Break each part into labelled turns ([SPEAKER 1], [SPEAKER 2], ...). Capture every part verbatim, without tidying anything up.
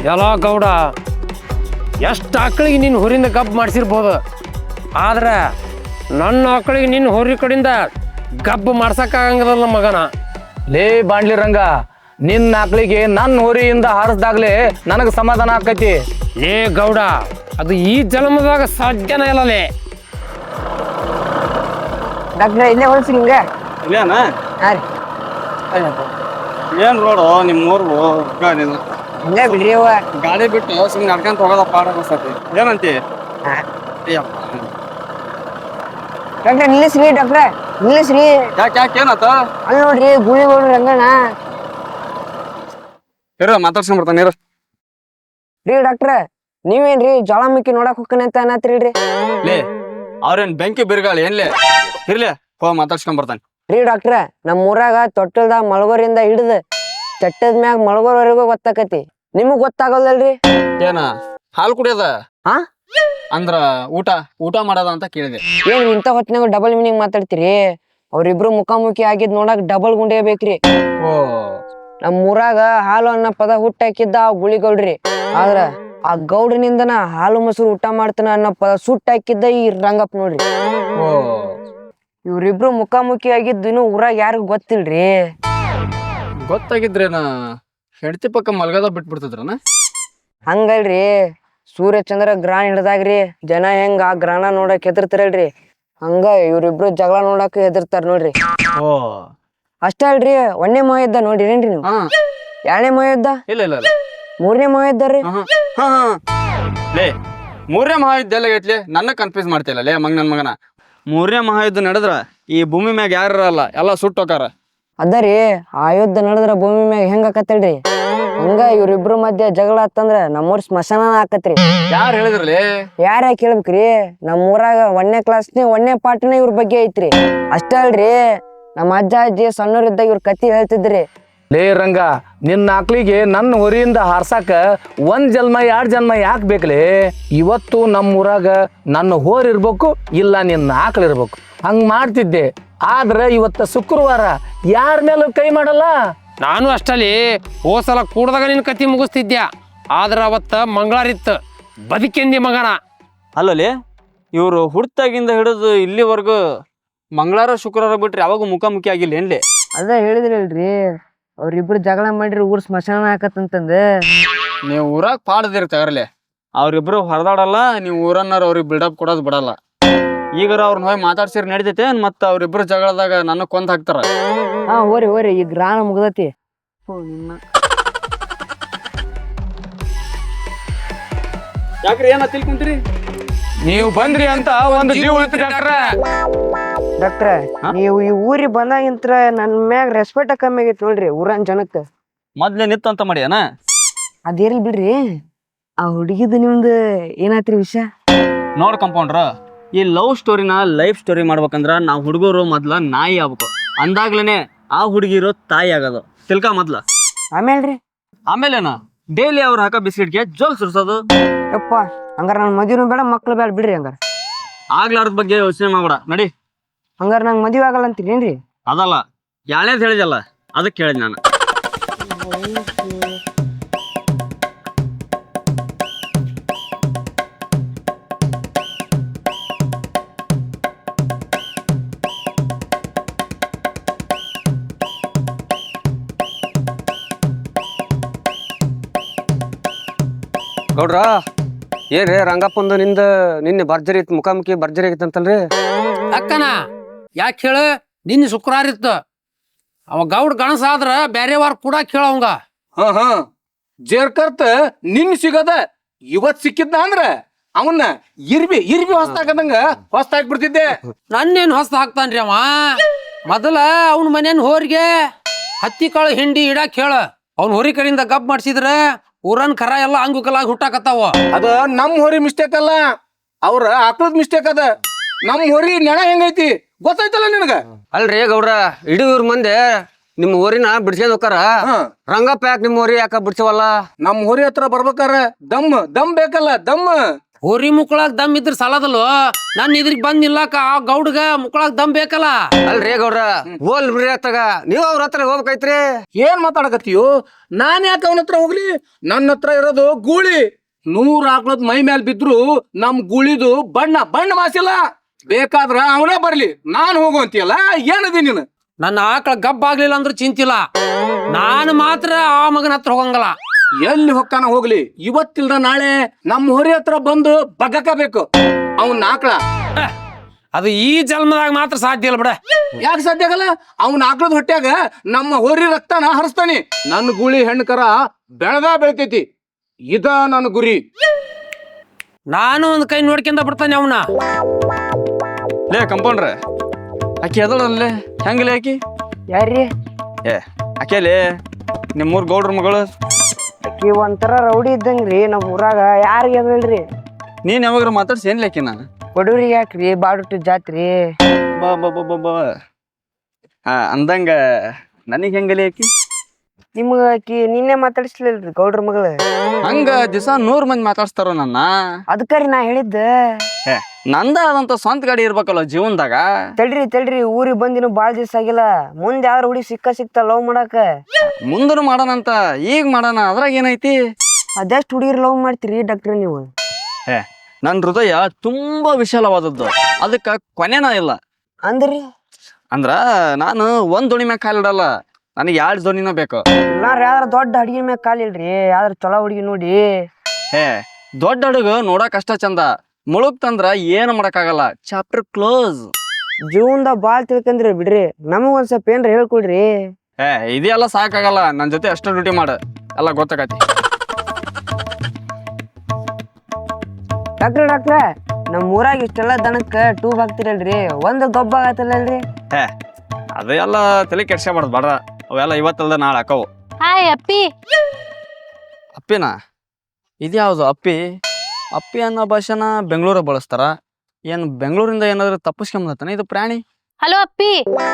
[SPEAKER 1] ಎಲ್ಲ ಗೌಡ ಎಷ್ಟು ಆಕಳಿಗೆ ನಿನ್ನ ಹೊರಿಂದ ಗಬ್ ಮಾಡಿಸಿರ್ಬೋದು, ಆದ್ರೆ ನನ್ನ ಆಕಳಿಗೆ ನಿನ್ನ ಹೊರಿ ಕಡೆಯಿಂದ ಗಬ್ಬು ಮಾಡ್ಸಕ್ಕಾಗಂಗಿಲ್ಲ ಮಗನ.
[SPEAKER 2] ಲೇ ಬಾಂಡ್ಲಿ ರಂಗ, ನಿನ್ನ ಆಕಳಿಗೆ ನನ್ನ ಹೊರಿಯಿಂದ ಹಾರಿಸ್ದಾಗ್ಲೇ ನನಗೆ ಸಮಾಧಾನ ಆಕೈತಿ.
[SPEAKER 1] ಲೇ ಗೌಡ, ಅದು ಈ ಜನ್ಮದಾಗ ಸಾಧ್ಯನೇ ಇಲ್ಲಲೇ.
[SPEAKER 3] ಡಾಕ್ಟ್ರ ಇಲ್ಲೇ ಹೊಲ್ಸಿ ನಿಮ್ಗೆ
[SPEAKER 4] ಇಲ್ಲೇನ
[SPEAKER 3] ಹಾಂ ರೀ
[SPEAKER 4] ಏನ್ ರೋಡು ನಿಮ್ಮ ಊರು
[SPEAKER 3] ಹಂಗೆ ಬಿಡ್ರಿ ಅವ್ವ.
[SPEAKER 4] ಗಾಡಿ ಬಿಟ್ಟು ಸುಮ್ಮನೆ ನಡ್ಕೊಂತ ಹೋಗೋದ ಪಾಡ ಅನ್ಸತಿ. ಏನಂತಿ?
[SPEAKER 3] ಡಾಕ್ಟ್ರ ನಿಲ್ಲಿಸ್ರಿ, ಡಾಕ್ಟ್ರ ನಿಲ್ಲಿಸ್ರಿ.
[SPEAKER 4] ಯಾಕೆ ಯಾಕೆ ಏನಾತ?
[SPEAKER 3] ಅಲ್ಲಿ ನೋಡ್ರಿ ಗುಳಿಗೋಡು ರಂಗಣ್ಣ.
[SPEAKER 4] ಇರ ಮಾತಾಡ್ಸ್ಕೊಂಡ್ ಬರ್ತಾನೆ ಇರ.
[SPEAKER 3] ರೀ ಡಾಕ್ಟ್ರ ನೀವೇನ್ರಿ ಜ್ವಾಲಾಮುಖಿ ನೋಡಕ್ ಹೋಗ್ತಾನೆ ಅಂತ ಅನ್ನತ್ರಿಲ್ರಿ?
[SPEAKER 4] ಲೇ ಅವ್ರೇನ್ ಬೆಂಕಿ ಬಿರುಗಾಳಿ ಏನ್ಲೇ? ಇರ್ಲಿ ಹೋಗ ಮಾತಾಡ್ಸ್ಕೊಂಡ್ ಬರ್ತಾನೆ.
[SPEAKER 3] ರೀ ಡಾಕ್ಟ್ರ ನಮ್ಮ ಊರಾಗ ತೊಟ್ಟಲ್ದಾಗ ಮಳಗೋರಿಂದ ಹಿಡಿದು ಚಟ್ಟದ ಮ್ಯಾಗ ಮಳಗೋರ್ವರೆಗೂ ಗೊತ್ತಾಕತಿ, ನಿಮಗ್ ಗೊತ್ತಾಗಲ್ದಲ್ರಿ?
[SPEAKER 4] ಏನ ಹಾಲು ಕುಡಿಯೋದ?
[SPEAKER 3] ಹಾ
[SPEAKER 4] ಅಂದ್ರ ಊಟ ಊಟ ಮಾಡೋದ ಅಂತ ಕೇಳಿದೆ.
[SPEAKER 3] ಏನ್ ಇಂಥ ಹೊತ್ತಿನಾಗ ಡಬಲ್ ಮೀನಿಂಗ್ ಮಾತಾಡ್ತೀರಿ? ಅವ್ರಿಬ್ರು ಮುಖಾಮುಖಿ ಆಗಿದ್ ನೋಡಕ್ ಡಬಲ್ ಗುಂಡೆ ಬೇಕ್ರಿ.
[SPEAKER 4] ಓ
[SPEAKER 3] ನಮ್ ಊರಾಗ ಹಾಲು ಅನ್ನೋ ಪದ ಹುಟ್ಟಾಕಿದ್ದ ಆ ಗುಳಿಗೌಡ್ರಿ, ಆದ್ರ ಆ ಗೌಡ್ರನಿಂದನ ಹಾಲು ಮೊಸರು ಊಟ ಮಾಡ್ತಾನ ಅನ್ನೋ ಪದ ಸುಟ್ಟಾಕಿದ್ದ ಈ ರಂಗಪ್ಪ ನೋಡ್ರಿ.
[SPEAKER 4] ಓ
[SPEAKER 3] ಇವ್ರಿಬ್ರು ಮುಖಾಮುಖಿ ಆಗಿದ್ದು ಇನ್ನು ಊರಾಗ ಯಾರಿಗ ಗೊತ್ತಿಲ್ರಿ.
[SPEAKER 4] ಗೊತ್ತಾಗಿದ್ರೇನ ಹೆಂಡತಿ ಪಕ್ಕ ಮಲ್ಗದ ಬಿಟ್ಬಿಡ್ತಿದ್ರನ?
[SPEAKER 3] ಹಂಗಲ್ರಿ, ಸೂರ್ಯ ಚಂದ್ರ ಗ್ರಹಣ ಹಿಡ್ದಾಗ್ರಿ ಜನ ಹೆಂಗ ಆ ಗ್ರಹಣ ನೋಡಕ್ ಹೆದರ್ತಾರಲ್ರಿ, ಹಂಗ ಇವ್ರಿಬ್ರು ಜಗಳ ನೋಡಕ್ ಹೆದರ್ತಾರ ನೋಡ್ರಿ.
[SPEAKER 4] ಓ
[SPEAKER 3] ಅಷ್ಟ ಅಲ್ರಿ, ಒಂದನೇ ಮಹಾಯುದ್ಧ ನೋಡಿರೇನ್ರಿ ನೀವು?
[SPEAKER 4] ಹಾ
[SPEAKER 3] ಎರಡನೇ ಮಹಾಯುದ್ಧ,
[SPEAKER 4] ಇಲ್ಲ ಇಲ್ಲ ಇಲ್ಲ.
[SPEAKER 3] ಮೂರನೇ ಮಹಾಯುದ್ಧ ರೀ.
[SPEAKER 4] ಹಾ ಹಾ ಲೇ ಮೂರನೇ ಮಹಾಯುದ್ಧ ಎಲ್ಲ ಐತ್ಲಿ, ನನ್ನ ಕನ್ಫ್ಯೂಸ್ ಮಾಡ್ತಿಲ್ಲ ಲೇ ಮಗ ನನ್ ಮಗನ. ಮೂರನೇ ಮಹಾಯುದ್ಧ ನಡೆದ್ರ ಈ ಭೂಮಿ ಮ್ಯಾಗ ಯಾರ ಇರಲ್ಲ, ಎಲ್ಲ ಸುಟ್ಟೋಕಾರ.
[SPEAKER 3] ಅದರಿ ಆ ಯುದ್ಧ ನಡೆದ್ರ ಭೂಮಿ ಮ್ಯಾಗ ಹೆಂಗ ಆಕತ್ತಲ್ರಿ, ಹಂಗ ಇವ್ರಿಬ್ರು ಮಧ್ಯ ಜಗಳ ಆತಂದ್ರ ನಮ್ಮೂರ್ ಸ್ಮಶಾನ ಆಕತ್ರಿ.
[SPEAKER 4] ಯಾರು ಹೇಳಿದ್ರಲಿ?
[SPEAKER 3] ಯಾರ ಕೇಳ್ಬೇಕ್ರಿ, ನಮ್ಮ ಊರಾಗ ಒಂದನೇ ಕ್ಲಾಸ್ನೇ ಒಂದನೇ ಪಾಠನೇ ಇವ್ರ ಬಗ್ಗೆ ಐತ್ರಿ. ಅಷ್ಟ ಅಲ್ರಿ, ನಮ್ಮ ಅಜ್ಜ ಅಜ್ಜಿ ಸಣ್ಣವ್ರಿದ್ದಾಗ ಇವ್ರ ಕತಿ ಹೇಳ್ತಿದ್ರಿ.
[SPEAKER 2] ಲೇ ರಂಗ, ನಿನ್ನ ಆಕಳಿಗೆ ನನ್ನ ಹೊರಿಯಿಂದ ಹಾರ್ಸಾಕ ಒಂದ್ ಜನ್ಮ ಎರಡ್ ಜನ್ಮ ಯಾಕೆ ಬೇಕಲೇ? ಇವತ್ತು ನಮ್ಮ ಊರಾಗ ನನ್ನ ಹೋರ್ ಇರ್ಬೇಕು, ಇಲ್ಲ ನಿನ್ನ ಆಕಳ ಇರ್ಬೇಕು, ಹಂಗ್ ಮಾಡ್ತಿದ್ದೆ. ಆದ್ರೆ ಇವತ್ತ ಶುಕ್ರವಾರ ಯಾರ ಮೇಲೂ ಕೈ ಮಾಡಲ್ಲ.
[SPEAKER 1] ನಾನು ಅಷ್ಟಲ್ಲಿ ಹೋಸಲ ಕೂಡ್ದಾಗ ನಿನ್ನ ಕತಿ ಮುಗಿಸ್ತಿದ್ಯಾ, ಆದ್ರೆ ಅವತ್ತ ಮಂಗಳಾರಿತ್ತು ಬದುಕೆಂದಿ ಮಗನ.
[SPEAKER 4] ಅಲ್ಲಲ್ಲಿ ಇವರು ಹುಡ್ತಾಗಿಂದ ಹಿಡಿದು ಇಲ್ಲಿವರೆಗೂ ಮಂಗಳವಾರ ಶುಕ್ರವಾರ ಬಿಟ್ರೆ ಯಾವಾಗ ಮುಖಾಮುಖಿ ಆಗಿಲ್ಲ ಏನ್ಲಿ?
[SPEAKER 3] ಅದ ಹೇಳಿದ್ರಲ್ರಿ, ಅವ್ರಿಬ್ರು ಜಗಳ ಮಾಡ್ರಿ ಊರ್ ಸ್ಮಶಾನ ಆಕತ್ತಂತಂದ.
[SPEAKER 4] ನೀವು ಊರಾಗ ಪಾಡದಿರ್ತಾರಲ್ಲೇ, ಅವ್ರಿಬ್ರು ಹೊರದಾಡಲ್ಲ, ನೀವು ಊರನ್ನಾರ ಅವ್ರಿಗೆ ಬಿಲ್ಡಪ್ ಕೊಡೋದು ಬಿಡಲ್ಲ. ಈಗಾರ ಅವ್ರನ್ನ ಹೋಗಿ ಮಾತಾಡ್ಸಿರ್ ನಡಿತೈತೆ, ಮತ್ತ ಅವ್ರಿಬ್ರು ಜಗಳದಾಗ ನನ್ನ ಕೊಂದ್ ಹಾಕ್ತಾರ.
[SPEAKER 3] ಹಾ ಓರಿ ಓರಿ, ಈಗ ಗ್ರಹಣ ಮುಗ್ದತಿ.
[SPEAKER 4] ಯಾಕ್ರಿ ಏನ ತಿಳ್ಕೊಂತೀರಿ?
[SPEAKER 2] ನೀವು ಬಂದ್ರಿ ಅಂತ ಒಂದು ಜೀವ ಉಳಿತು ಡಾಕ್ಟ್ರ.
[SPEAKER 3] ಡಾಕ್ಟ್ರ ನೀವು ಈ ಊರಿಗೆ ಬಂದಾಗಿಂತ್ರ ನನ್ ಮ್ಯಾಗ ರೆಸ್ಪೆಕ್ಟ್ ಕಮ್ಮಿ ಆಗೈತಿ ನೋಡ್ರಿ ಊರನ್ ಜನಕ್ಕ.
[SPEAKER 4] ಮೊದ್ಲೇ ನಿತ್ತು ಅಂತ ಮಾಡ್ಯಾನ?
[SPEAKER 3] ಅದೇರ್ಲಿ ಬಿಡ್ರಿ, ಆ ಹುಡುಗಿದ ನಿಮ್ದು ಏನಾತ್ರಿ ವಿಷಯ?
[SPEAKER 4] ನೋಡ್ ಕಂಪೌಂಡ್ರ, ಈ ಲವ್ ಸ್ಟೋರಿನ ಲೈಫ್ ಸ್ಟೋರಿ ಮಾಡ್ಬೇಕಂದ್ರ ನಾವು ಹುಡುಗರು ಮೊದ್ಲ ನಾಯಿ ಆಗ್ಬೇಕು, ಅಂದಾಗ್ಲೇನೆ ಆ ಹುಡುಗಿರೋ ತಾಯಿ ಆಗೋದು ತಿಳ್ಕ ಮೊದ್ಲ.
[SPEAKER 3] ಆಮೇಲ್ರಿ?
[SPEAKER 4] ಆಮೇಲೆನ ಡೈಲಿ ಅವ್ರು ಹಾಕೋ ಬಿಸ್ಕಿಟ್ಗೆ ಜೋಲ್ ಸುರ್ಸೋದು.
[SPEAKER 3] ಯಪ್ಪ, ಹಂಗಾರ ನನ್ ಮದ್ವಿನೂ ಬೇಡ ಮಕ್ಳು ಬೇಡ ಬಿಡ್ರಿ. ಹಂಗಾರ
[SPEAKER 4] ಆಗ್ಲಾರ್ದ ಬಗ್ಗೆ ಯೋಚನೆ ಮಾಡ್ಬೇಡ ನಡಿ.
[SPEAKER 3] ಹಂಗಾರ ನಂಗೆ ಮದ್ವೆ ಆಗಲ್ಲ ಅಂತೀರೇನ್ರಿ?
[SPEAKER 4] ಅದಲ್ಲ, ಯಾಳೇದ್ ಹೇಳಿದಲ್ಲ ಅದಕ್ಕೆ ಕೇಳಿದ್ ನಾನು.
[SPEAKER 5] ಗೌಡ್ರ ಏನ್ರಿ ರಂಗಪ್ಪಂದು ನಿಂದ ನಿನ್ನೆ ಭರ್ಜರಿ ಇತ್ತು, ಮುಖಾಮುಖಿ ಭರ್ಜರಿ ಆಗಿತ್ತಂತಲ್ರಿ?
[SPEAKER 1] ಅಕ್ಕನ ಯಾಕೆ ಹೇಳು, ನಿನ್ನೆ ಶುಕ್ರವಾರ ಇತ್ತು. ಅವ ಗೌಡ್ ಗಣಸ ಆದ್ರ ಬ್ಯಾರೆ ವಾರ ಕೂಡ ಕೇಳವಂಗ.
[SPEAKER 2] ಹಾ ಹಾ ಜೇರ್ಕರ್ತ ನಿನ್ ಸಿಗದ ಇವತ್ ಸಿಕ್ಕಿದ್ನ ಅಂದ್ರ ಅವನ್ನ ಇರ್ಬಿ ಇರ್ಬಿ ಹೊಸ್ತಾಕದಂಗ ಹೊಸ್ತಾಕ್ ಬಿಡ್ತಿದ್ದೆ.
[SPEAKER 1] ನನ್ನೇನ್ ಹೊಸ್ತ ಹಾಕ್ತಾನ್ರಿ ಅವ. ಮೊದಲ ಅವನ ಮನೇನ್ ಹೋರಿಗೆ ಹತ್ತಿ ಕಾಳು ಹಿಂಡಿ ಇಡಾಕ್ ಹೇಳ, ಅವ್ನ ಹೊರಿ ಕಡೆಯಿಂದ ಗಬ್ ಮಾಡ್ಸಿದ್ರ ಊರನ್ ಖರ ಎಲ್ಲ ಅಂಗುಕಲಾಗಿ ಹುಟ್ಟಾಕತ್ತಾವ.
[SPEAKER 2] ಅದ ನಮ್ ಹೊರಿ ಮಿಸ್ಟೇಕ್ ಅಲ್ಲ, ಅವ್ರ ಆಕಳದ್ ಮಿಸ್ಟೇಕ್ ಅದ. ನಮ್ ಹೊರಿ ನೆಣ ಹೆಂಗೈತಿ ಗೊತ್ತಾಯ್ತಲ್ಲ ನಿನಗ?
[SPEAKER 5] ಅಲ್ರಿ ಗೌಡ್ರ, ಇಡೀ ಊರ್ ಮಂದಿ ನಿಮ್ ಊರಿನ ಬಿಡ್ಸ್ಕೊಂಡ್ ಹೋಕಾರ, ರಂಗಪ್ಪ ಯಾಕೆ ನಿಮ್ ಊರಿ ಯಾಕ ಬಿಡ್ಸವಲ್ಲ?
[SPEAKER 2] ನಮ್ ಹೊರಿ ಹತ್ರ ಬರ್ಬೇಕಾರ ದಮ್ ದಮ್ ಬೇಕಲ್ಲ, ದಮ್.
[SPEAKER 1] ಹೋರಿ ಮುಕ್ಕಳಾಗ ದಮ್ ಇದ್ರ ಸಾಲದಲ್ವ ನನ್ನ ಇದ್ರಿಗೆ ಬಂದ್ ನಿಲ್ಲಾಕ ಆ ಗೌಡ್ಗ ಮುಕ್ಕಳಾಗ ದಮ್ ಬೇಕಲ್ಲ.
[SPEAKER 5] ಅಲ್ರಿ ಗೌಡ್ರ ಹೋಲ್ ಬಿಡ್ರಿ ಅತ್ತಾಗ ನೀವ್ ಅವ್ರ ಹತ್ರ ಹೋಗ್ಬೇಕೈತ್ರಿ.
[SPEAKER 2] ಏನ್ ಮಾತಾಡಕತ್ತೀಯೋ? ನಾನ್ ಯಾಕೆ ಅವನ ಹತ್ರ ಹೋಗ್ಲಿ? ನನ್ನ ಹತ್ರ ಇರೋದು ಗೂಳಿ. ನೂರ್ ಆಕ್ಳದ್ ಮೈ ಮ್ಯಾಲ್ ಬಿದ್ರು ನಮ್ ಗೂಳಿದು ಬಣ್ಣ ಬಣ್ಣ ಮಾಸಿಲ್ಲ. ಬೇಕಾದ್ರ ಅವನೇ ಬರ್ಲಿ, ನಾನ್ ಹೋಗುವಂತೀಯಲ್ಲ, ಏನದಿ ನೀನು?
[SPEAKER 1] ನನ್ನ ಆಕಳ ಗಬ್ಬ ಆಗ್ಲಿಲ್ಲ ಅಂದ್ರೂ ಚಿಂತಿಲ್ಲ, ನಾನು ಮಾತ್ರ ಆ ಮಗನ ಹತ್ರ ಹೋಗಂಗಲ್ಲ.
[SPEAKER 2] ಎಲ್ಲಿ ಹೊಕ್ಕಾನ ಹೋಗ್ಲಿ, ಇವತ್ತಿಲ್ದ ನಾಳೆ ನಮ್ಮ ಹೊರಿ ಹತ್ರ ಬಂದು ಬಗ್ಗಕಬೇಕು ಅವನ್ ಆಕಳ.
[SPEAKER 1] ಅದು ಈ ಜನ್ಮದಾಗ ಮಾತ್ರ ಸಾಧ್ಯ ಇಲ್ಲ ಬಿಡ.
[SPEAKER 2] ಯಾಕೆ ಸಾಧ್ಯ ಆಗಲ್ಲ? ಅವ್ನ ಆಕಳದ ಹೊಟ್ಯಾಗ ನಮ್ಮ ಹೋರಿ ರಕ್ತನ ಹರಿಸ್ತಾನಿ. ನನ್ನ ಗೂಳಿ ಹೆಣ್ಕರ ಬೆಳೆದ ಬೆಳಿತೈತಿ. ಇದ ನನ್ನ ಗುರಿ.
[SPEAKER 1] ನಾನು ಒಂದ್ ಕೈ ನೋಡ್ಕೊಂಡ ಬಿಡ್ತಾನೆ ಅವನ.
[SPEAKER 4] ಲೇ ಕಂಪೌಂಡ್ರೆ, ಆಕಿ ಅದಳಲ್ಲೇ ಹೆಂಗಲೇ ಆಕಿ?
[SPEAKER 3] ಯಾರ್ರಿ?
[SPEAKER 4] ಏ ಆಕೆಲೇ ನಿಮ್ಮೂರ್ ಗೌಡ್ರ ಮಗಳು.
[SPEAKER 3] ಆಕಿ ಒಂಥರ ರೌಡಿ ಇದ್ದಂಗ್ರಿ ನಮ್ ಊರಾಗ. ಯಾರಿಗೆ ಅದಲ್ರಿ?
[SPEAKER 4] ನೀನ್ ಯಾವಾಗ್ರ ಮಾತಾಡ್ಸಿ ಏನ್ಲಿ ಆಕಿ? ನಾನು
[SPEAKER 3] ಬಡವ್ರಿಗೆ ಯಾಕ್ರಿ ಬಾಡುಟ್ಟು ಜಾತ್ರಿ?
[SPEAKER 4] ಬಾ ಬಾ ಬಾ ಬಾ ಬಾ ಹಾ ಅಂದಂಗ ನನಗ್ ಹೆಂಗಲೇ ಆಕಿ?
[SPEAKER 3] ನಿಮ್ಗ ಆಕಿ ನಿನ್ನೆ ಮಾತಾಡಿಸ್ಲಿಲ್ರಿ ಗೌಡ್ರ ಮಗಳು?
[SPEAKER 4] ಹಂಗ ದಿವಸ ನೂರ್ ಮಂದಿ ಮಾತಾಡ್ಸ್ತಾರ ನನ್ನ.
[SPEAKER 3] ಅದಕ್ಕರಿ ನಾ ಹೇಳಿದ್ದ.
[SPEAKER 4] ಏ ನಂದ ಆದಂತ ಸ್ವಂತ ಗಾಡಿ ಇರ್ಬೇಕಲ್ಲ ಜೀವನದಾಗ.
[SPEAKER 3] ತಡ್ರಿ ತಡ್ರಿ, ಊರಿಗೆ ಬಂದಿನ ಬಾಳ್ ದಿವ್ಸ ಆಗಿಲ್ಲ. ಮುಂದೆ ಯಾವ್ದ್ರ ಹುಡುಗಿ ಸಿಕ್ಕ ಸಿಕ್ತ ಲವ್ ಮಾಡಾಕ?
[SPEAKER 4] ಮುಂದನು ಮಾಡೋಣಂತ, ಈಗ ಮಾಡೋಣ, ಅದ್ರಾಗ ಏನೈತಿ?
[SPEAKER 3] ಅದೆಷ್ಟ್ ಹುಡುಗಿರ್ ಲವ್ ಮಾಡ್ತೀರಿ ಡಾಕ್ಟ್ರ್ ನೀವು?
[SPEAKER 4] ಏ ನನ್ ಹೃದಯ ತುಂಬಾ ವಿಶಾಲವಾದದ್ದು, ಅದಕ್ಕ ಕೊನೆನ ಇಲ್ಲ.
[SPEAKER 3] ಅಂದ್ರಿ?
[SPEAKER 4] ಅಂದ್ರ ನಾನು ಒಂದ್ ದೋಣಿ ಮ್ಯಾಗ ಕಾಲಿಡಲ್ಲ, ನನಗೆ ಎರಡ್ ದೋಣಿನ ಬೇಕು.
[SPEAKER 3] ಇಲ್ಲಾರ ಯಾವ್ದಾರ ದೊಡ್ಡ ಹುಡುಗಿ ಮ್ಯಾಗ ಕಾಲಿಲ್ರಿ, ಯಾವ್ದಾರ ಚಲೋ ಹುಡುಗಿ ನೋಡಿ.
[SPEAKER 4] ಏ ದೊಡ್ಡ ಹಡಗು ನೋಡಕ್ ಅಷ್ಟ ಚಂದ, ಮುಳುಗ್ತಂದ್ರ ಏನು ಮಾಡಕ್ಕಾಗಲ್ಲ. Chapter close.
[SPEAKER 3] ಜೀವನದಾಗ ಬಾಳ್ ತಿಳ್ಕಂದ್ರಿ ಬಿಡ್ರಿ, ನಮಗ್ ಒಂದ್ ಸ್ವಲ್ಪ ಏನ್ರ ಹೇಳ್ಕೊಡ್ರಿ.
[SPEAKER 4] ಏ ಇದೆಲ್ಲ ಸಾಕಾಗಲ್ಲ, ನನ್ ಜೊತೆ ಅಷ್ಟ ಡ್ಯೂಟಿ ಮಾಡು, ಎಲ್ಲ ಗೊತ್ತಾಗತಿ.
[SPEAKER 3] ಡಾಕ್ಟ್ರ ಡಾಕ್ಟ್ರ, ನಮ್ ಊರಾಗ ಇಷ್ಟೆಲ್ಲ ದನಕ್ಕ ಟೂಬ್ ಹಾಕ್ತಿರಲ್ರಿ, ಒಂದ್ ಗೊಬ್ಬ ಆಗತ್ತಲ್ಲಲ್ರಿ?
[SPEAKER 4] ಏ ಅದು ಎಲ್ಲ ತಲೆ ಕೆಡ್ಸ್ಕೊಬಾರ್ದು ಬಾಡ್ರ, ಅವೆಲ್ಲ ಇವತ್ತಲ್ದ ನಾಳೆ ಹಾಕವು.
[SPEAKER 6] ಹಾಯ್ ಅಪ್ಪಿ.
[SPEAKER 4] ಅಪ್ಪಿನ ಇದ್ಯಾವುದು ಅಪ್ಪಿ? ಅಪ್ಪಿ ಅನ್ನೋ ಭಾಷೆನ ಬೆಂಗಳೂರ ಬಳಸ್ತಾರ. ಏನ್ ಬೆಂಗಳೂರಿಂದ ಏನಾದ್ರು ತಪ್ಪಿಸ್ಕೊಂಬತ್ತಾನ ಇದು ಪ್ರಾಣಿ?
[SPEAKER 6] ಹಲೋ ಅಪ್ಪಿ.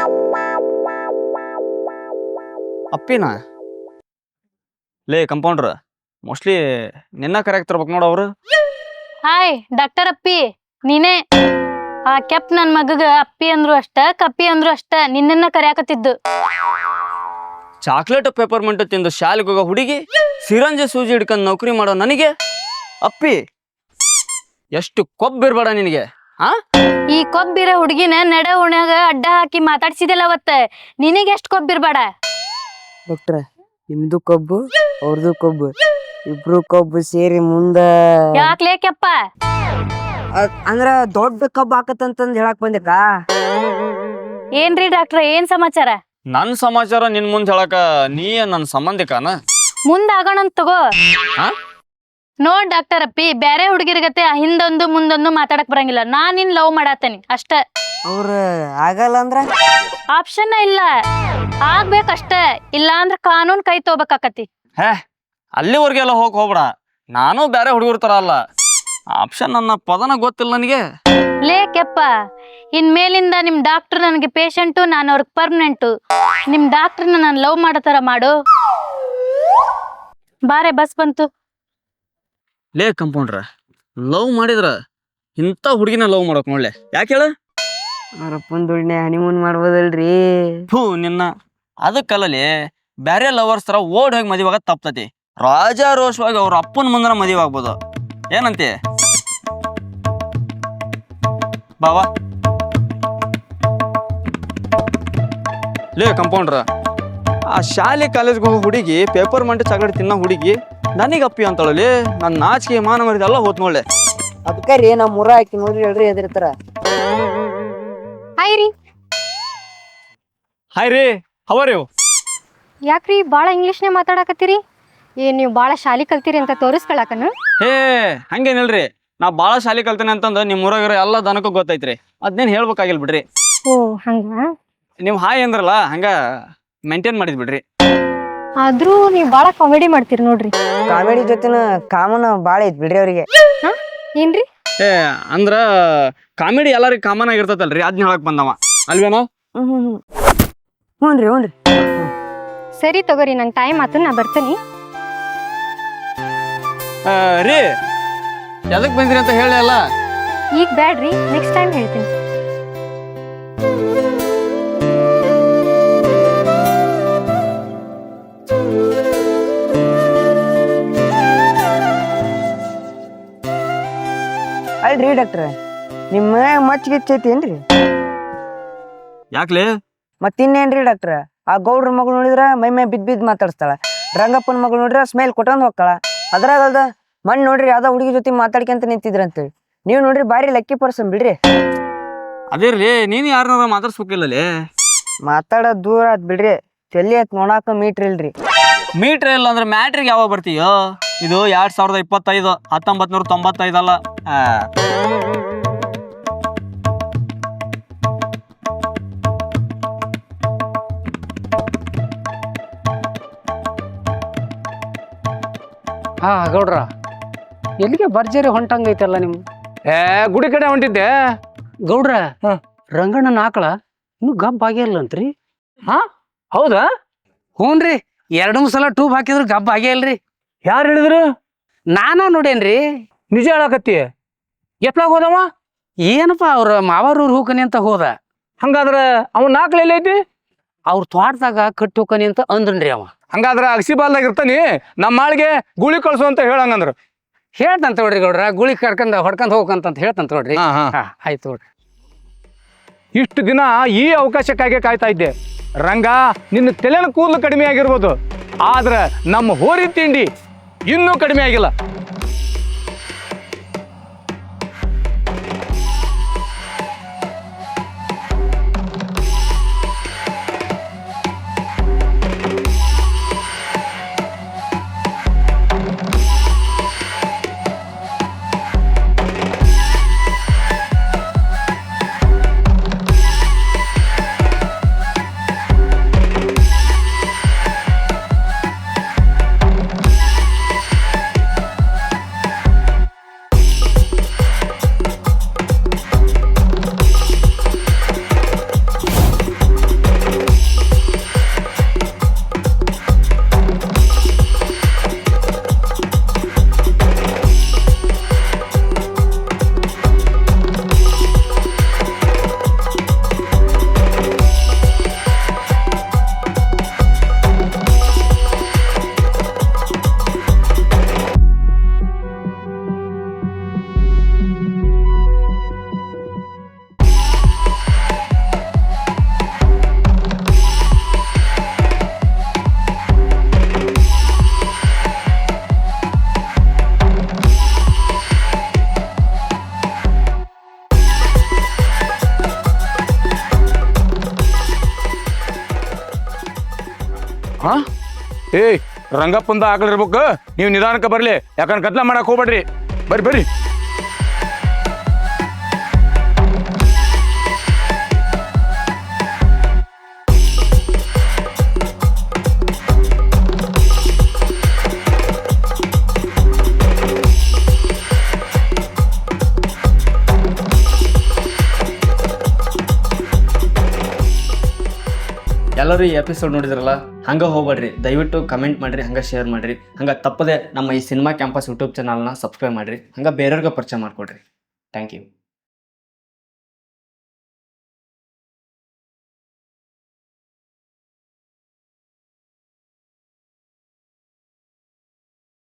[SPEAKER 4] ಅಪ್ಪಿನ ಲೇ ಕಂಪೌಂಡ್ರ, ಮೋಸ್ಟ್ಲಿ ನಿನ್ನ ಕರೆಕ್ತಿರ್ಬೇಕು ನೋಡು ಅವ್ರು.
[SPEAKER 6] ಹಾಯ್ ಡಾಕ್ಟರ್ ಅಪ್ಪಿ, ನೀನೇ? ಆ ಕೆಪ್ ನನ್ ಮಗಗ ಅಪ್ಪಿ ಅಂದ್ರು ಅಷ್ಟ, ಕಪ್ಪಿ ಅಂದ್ರು ಅಷ್ಟ, ನಿನ್ನನ್ನ ಕರ್ಯಾಕತ್ತಿದ್ದು.
[SPEAKER 4] ಚಾಕ್ಲೇಟ್ ಪೇಪರ್ಮೆಂಟ್ ತಿಂದು ಶಾಲೆಗೆ ಹೋಗೋ ಹುಡುಗಿ, ಸಿರಂಜಿ ಸೂಜಿ ಹಿಡ್ಕೊಂಡು ನೌಕರಿ ಮಾಡೋ ನನಗೆ ಅಪ್ಪಿ? ಎಷ್ಟು ಕೊಬ್ಬಿರ್ಬೇಡ ನಿನಗೆ. ಹಾ
[SPEAKER 6] ಈ ಕೊಬ್ಬಿರ ಹುಡುಗಿನ ನಡೆ ಉಣ್ಯಾಗ ಅಡ್ಡ ಹಾಕಿ ಮಾತಾಡ್ಸಿದಿಲ್ಲ ಅವತ್ತ, ನಿನಗೆ ಎಷ್ಟ್ ಕೊಬ್ಬಿರ್ಬೇಡ.
[SPEAKER 3] ಡಾಕ್ಟ್ರ, ನಿಮ್ದು ಕೊಬ್ಬು ಅವ್ರದ್ದು ಕೊಬ್ಬು, ಇಬ್ರು ಕೊಬ್ಬು ಸೇರಿ ಮುಂದ
[SPEAKER 6] ಯಾಕ್ಲೇ ಕೆಪ್ಪ?
[SPEAKER 3] ಅಂದ್ರ ದೊಡ್ಡ ಕಬ್ಬು ಹಾಕತ್ತಂತಂದ್ ಹೇಳಕ್ ಬಂದಿಕ್ಕ?
[SPEAKER 6] ಏನ್ರಿ ಡಾಕ್ಟ್ರ, ಏನ್ ಸಮಾಚಾರ?
[SPEAKER 4] ನನ್ ಸಮಾಚಾರ ನಿನ್ ಮುಂದೆ ಹೇಳಕ ನೀ ನನ್ನ ಸಂಬಂಧಿಕನ?
[SPEAKER 6] ಮುಂದ್ ಆಗೋಣಂತ ತಗೋ.
[SPEAKER 4] ಹಾ
[SPEAKER 6] ನೋಡ್ ಡಾಕ್ಟರ್ ಅಪ್ಪಿ, ಬ್ಯಾರೆ ಹುಡುಗಿರ್ಗತೆ ಹಿಂದೊಂದು ಮುಂದೊಂದು ಮಾತಾಡಕ್ ಬರಂಗಿಲ್ಲ. ನಾನ್ ನಿನ್ ಲವ್ ಮಾಡಾತೇನಿ ಅಷ್ಟ.
[SPEAKER 3] ಅವ್ರ ಆಗಲ್ಲ ಅಂದ್ರ?
[SPEAKER 6] ಆಪ್ಷನ್ ಇಲ್ಲ, ಆಗ್ಬೇಕಷ್ಟ. ಇಲ್ಲ ಅಂದ್ರ ಕಾನೂನ್ ಕೈ ತಗೋಬೇಕಾಕತಿ.
[SPEAKER 4] ಹೇ ಅಲ್ಲಿವರೆಗೆಲ್ಲ ಹೋಗಿ ಹೋಗ್ಬೇಡ, ನಾನು ಬೇರೆ ಹುಡುಗರ ತರ ಅಲ್ಲ. ಆಪ್ಷನ್ ನನ್ನ ಪದನ ಗೊತ್ತಿಲ್ಲ ನನಗೆ.
[SPEAKER 6] ಲೇ ಕೆಪ್ಪ, ಇನ್ ಮೇಲಿಂದ ನಿಮ್ ಡಾಕ್ಟರ್ ನನಗೆ ಪೇಷಂಟು, ನಾನು ಅವ್ರಿಗೆ ಪರ್ಮನೆಂಟು. ನಿಮ್ ಡಾಕ್ಟರ್ನ ನಾನು ಲವ್ ಮಾಡೋ ತರ ಮಾಡು. ಬಾರೆ ಬಸ್ ಬಂತು.
[SPEAKER 4] ಲೇ ಕಂಪೌಂಡ್ರ, ಲವ್ ಮಾಡಿದ್ರ ಇಂಥ ಹುಡುಗಿನ ಲವ್ ಮಾಡಕ್ ನೋಡ್ಲೆ. ಯಾಕೆ ಹೇಳ?
[SPEAKER 3] ಅವ್ರಪ್ಪನ ದುಡ್ನೆ ಹನಿಮೂನ್ ಮಾಡ್ಬೋದಲ್ರಿ?
[SPEAKER 4] ಹೂ ನಿನ್ನ ಅದಕ್ಕಲ್ಲಲಿ, ಬ್ಯಾರೆ ಲವರ್ಸ್ ತರ ಓಡ್ ಹೋಗಿ ಮದುವಾಗ ತಪ್ತತಿ. ರಾಜಾರೋಷವಾಗಿ ಅವ್ರ ಅಪ್ಪನ ಮುಂದನ ಮದುವೆ ಆಗ್ಬೋದು. ಏನಂತೆ ಬಾವಾ? ಲೇ ಕಂಪೌಂಡ್ರ, ಆ ಶಾಲೆ ಕಾಲೇಜ್ಗೆ ಹೋಗೋ ಹುಡುಗಿ, ಪೇಪರ್ ಮಂಟೆ ಚಾಕ್ಲೇಟ್ ತಿನ್ನೋ ಹುಡುಗಿ ನನಗೆ ಅಪ್ಪಿ ಅಂತಳಲಿ. ನನ್ನ ನಾಚಿಕೆ ಮಾನ ಮರಿದ ಎಲ್ಲ ಹೋತ್ ನೋಡ್ಲೆ.
[SPEAKER 3] ಅದಕ್ಕ ರೀ ನಮ್ಮ ಊರ ಹಾಕಿ ನೋಡ್ರಿ ಹೇಳ್ರಿ ಎದಿರ್ತಾರ.
[SPEAKER 6] ಹಾಯ್ ರೀ.
[SPEAKER 4] ಹಾಯ್ ರೀ, ಹವರ್ ಯು?
[SPEAKER 7] ಯಾಕ್ರಿ ಭಾಳ ಇಂಗ್ಲೀಷ್ನೇ ಮಾತಾಡಕತ್ತೀರಿ? ಏನ್ ನೀವು ಭಾಳ ಶಾಲಿ ಕಲ್ತೀರಿ ಅಂತ ತೋರಿಸ್ಕೊಳಕನ?
[SPEAKER 4] ಹೇ ಹಂಗೇನಿಲ್ರಿ, ನಾ ಭಾಳ ಶಾಲೆ ಕಲ್ತೇನೆ ಅಂತಂದು ನಿಮ್ಮ ಊರಾಗಿರೋ ಎಲ್ಲ ದನಕ್ಕೂ ಗೊತ್ತೈತ್ರಿ. ಅದ್ನೇನು ಹೇಳ್ಬೇಕಾಗಿಲ್ಲ ಬಿಡ್ರಿ.
[SPEAKER 7] ಓ ಹಂಗ?
[SPEAKER 4] ನೀವು ಹಾಯ್ ಅಂದ್ರಲ್ಲ, ಹಂಗ ಮೇಂಟೈನ್ ಮಾಡಿದ್ ಬಿಡ್ರಿ.
[SPEAKER 7] ಆದ್ರೂ ನೀವು ಭಾಳ ಕಾಮಿಡಿ ಮಾಡ್ತೀರಿ ನೋಡ್ರಿ.
[SPEAKER 3] ಕಾಮಿಡಿ ಜೊತೆನ ಕಾಮನ್ ಬಾಳ ಐತ್ ಬಿಡ್ರಿ ಅವ್ರಿಗೆ.
[SPEAKER 7] ಹಾ ಏನ್ರಿ?
[SPEAKER 4] ಏ ಅಂದ್ರ ಕಾಮಿಡಿ ಎಲ್ಲರಿಗೂ ಕಾಮನ್ ಆಗಿರ್ತೈತಲ್ರಿ, ಅದ್ನ ಹೇಳಕ್ ಬಂದವ ಅಲ್ವೇನೋ?
[SPEAKER 3] ಹ್ಮ್ ಹ್ಮ್ ಹ್ಮ್ ಹ್ಞೂನ್ರಿ ಹ್ಞೂನ್ರಿ.
[SPEAKER 7] ಸರಿ ತಗೋರಿ, ನಂಗೆ ಟೈಮ್ ಆತು, ನಾ ಬರ್ತೀನಿ.
[SPEAKER 4] ರೀ ಎದಕ್ ಬಂದ್ರಿ ಅಂತ ಹೇಳಿ ಅಲ್ಲ.
[SPEAKER 7] ಈಗ ಬ್ಯಾಡ್ರಿ, ನೆಕ್ಸ್ಟ್ ಟೈಮ್ ಹೇಳ್ತೀನಿ.
[SPEAKER 3] ಅಲ್ರಿ ಡಾಕ್ಟ್ರ, ನಿಮ್ಮ ಮಚ್ಚಿಗಿಚ್ಚೈತೇನ್ರಿ?
[SPEAKER 4] ಯಾಕ್ಲೆ?
[SPEAKER 3] ಮತ್ತಿನ್ನೇನ್ರಿ ಡಾಕ್ಟ್ರ, ಆ ಗೌಡ್ರ ಮಗಳು ನೋಡಿದ್ರ ಮೈ ಮೈ ಬಿದ್ ಬಿದ್ ಮಾತಾಡ್ಸ್ತಾಳ, ರಂಗಪ್ಪನ ಮಗಳು ನೋಡ್ರ ಸ್ಮೈಲ್ ಕೊಟ್ಟಂದ್ ಹೋಗ್ತಾಳ. ಅದ್ರಾಗಲ್ದ ಮಣ್ ನೋಡ್ರಿ ಯಾವ್ದೋ ಹುಡುಗಿ ಜೊತೆ ಮಾತಾಡ್ಕೊಂತ ನಿಂತಿದ್ರ ಅಂತೇಳಿ, ನೀವ್ ನೋಡ್ರಿ ಬಾರಿ ಲಕ್ಕಿ ಪರ್ಸನ್ ಬಿಡ್ರಿ.
[SPEAKER 4] ಅದೇರ್ಲಿ, ನೀನು ಯಾರನ್ನಾರ ಮಾತಾಡ್ಸ್ಬೇಕಿಲ್ಲಲೇ.
[SPEAKER 3] ಮಾತಾಡೋದ್ ದೂರ ಆತ್ ಬಿಡ್ರಿ, ತಲಿ ಆತ್ ನೋಡಾಕ ಮೀಟ್ರ್ ಇಲ್ರಿ.
[SPEAKER 4] ಮೀಟ್ರ್ ಇಲ್ಲ ಅಂದ್ರೆ ಮ್ಯಾಟ್ರಿಗೆ ಯಾವಾಗ ಬರ್ತೀಯೋ? ಇದು ಎರಡ್ ಸಾವಿರದ ಇಪ್ಪತ್ತೈದು ಹತ್ತೊಂಬತ್ ನೂರ ತೊಂಬತ್ತೈದಲ್ಲ. ಆ
[SPEAKER 1] ಹಾ ಗೌಡ್ರ, ಎಲ್ಲಿಗೆ ಭರ್ಜರಿ ಹೊಂಟಂಗೈತಲ್ಲ ನಿಮ್?
[SPEAKER 2] ಏ ಗುಡಿ ಕಡೆ ಹೊಂಟಿದ್ದೆ.
[SPEAKER 1] ಗೌಡ್ರ,
[SPEAKER 2] ಹಾ.
[SPEAKER 1] ರಂಗಣ್ಣನ ಆಕಳ ಇನ್ನು ಗಬ್ಬ ಆಗಿಲ್ಲಂತ್ರಿ.
[SPEAKER 2] ಹಾ ಹೌದಾ?
[SPEAKER 1] ಹ್ಞೂನ್ರಿ, ಎರಡು ಮೂರು ಸಲ ಟೂಬ್ ಹಾಕಿದ್ರು ಗಬ್ಬ ಆಗೇ ಇಲ್ರಿ.
[SPEAKER 2] ಯಾರು ಹೇಳಿದ್ರು?
[SPEAKER 1] ನಾನಾ ನೋಡೇನ್ರಿ.
[SPEAKER 2] ನಿಜ ಹೇಳಕತ್ತಿ? ಎತ್ಲಾಗ ಹೋದವ?
[SPEAKER 1] ಏನಪ್ಪ ಅವ್ರ ಮಾವಾರೂರ್ ಹೋಕನಿ ಅಂತ ಹೋದ.
[SPEAKER 2] ಹಂಗಾದ್ರ ಅವನ್ ನಾಲ್ಕು ಎಲ್ಲಿ ಐತಿ?
[SPEAKER 1] ಅವ್ರ ತೋಟದಾಗ ಕಟ್ಟಿ ಹೋಕನಿ ಅಂತ ಅಂದ್ರನ್ರಿ ಅವ.
[SPEAKER 2] ಹಂಗಾದ್ರ ಅಗಸಿಬಾಲ್ದಾಗ ಇರ್ತಾನಿ, ನಮ್ಮ ಮಾಳಿಗೆ ಗುಳಿ ಕಳ್ಸು ಅಂತ ಹೇಳಂಗಂದ್ರ
[SPEAKER 1] ಹೇಳ್ತಂತ ನೋಡ್ರಿ ಗೌಡ್ರ, ಗುಳಿ ಕರ್ಕೊಂಡ್ ಹೊಡ್ಕೊಂಡ್ ಹೋಗಂತ ಹೇಳ್ತಂತ ನೋಡ್ರಿ.
[SPEAKER 2] ಹಾ ಹಾ
[SPEAKER 1] ಹಾ ಆಯ್ತು ನೋಡ್ರಿ.
[SPEAKER 2] ಇಷ್ಟು ದಿನ ಈ ಅವಕಾಶಕ್ಕಾಗಿ ಕಾಯ್ತಾ ಇದ್ದೆ. ರಂಗ, ನಿನ್ನ ತಲೆನ ಕೂದಲು ಕಡಿಮೆ ಆಗಿರ್ಬೋದು, ಆದ್ರೆ ನಮ್ಮ ಹೋರಿ ತಿಂಡಿ ಇನ್ನೂ ಕಡಿಮೆ ಆಗಿಲ್ಲ. ಹಾ ಏಯ್, ರಂಗಪ್ಪಂದ ಆಕಳಿರ್ಬೇಕು, ನೀವು ನಿಧಾನಕ್ಕೆ ಬರ್ಲಿ, ಯಾಕಂದ್ರೆ ಕತ್ಲ ಮಾಡಕ್ ಹೋಗ್ಬೇಡ್ರಿ. ಬರ್ರಿ ಬರ್ರಿ.
[SPEAKER 4] ಎಲ್ಲರೂ ಈ ಎಪಿಸೋಡ್ ನೋಡಿದ್ರಲ್ಲ, ಹಂಗೆ ಹೋಗ್ಬೇಡ್ರಿ, ದಯವಿಟ್ಟು ಕಮೆಂಟ್ ಮಾಡಿರಿ, ಹಂಗೆ ಶೇರ್ ಮಾಡಿರಿ, ಹಂಗೆ ತಪ್ಪದೆ ನಮ್ಮ ಈ ಸಿನಿಮಾ ಕ್ಯಾಂಪಸ್ ಯೂಟ್ಯೂಬ್ ಚಾನಲ್ನ ಸಬ್ಸ್ಕ್ರೈಬ್ ಮಾಡಿರಿ, ಹಂಗೆ ಬೇರೆಯವ್ರಿಗೆ ಪರಿಚಯ ಮಾಡಿಕೊಡ್ರಿ. Thank you.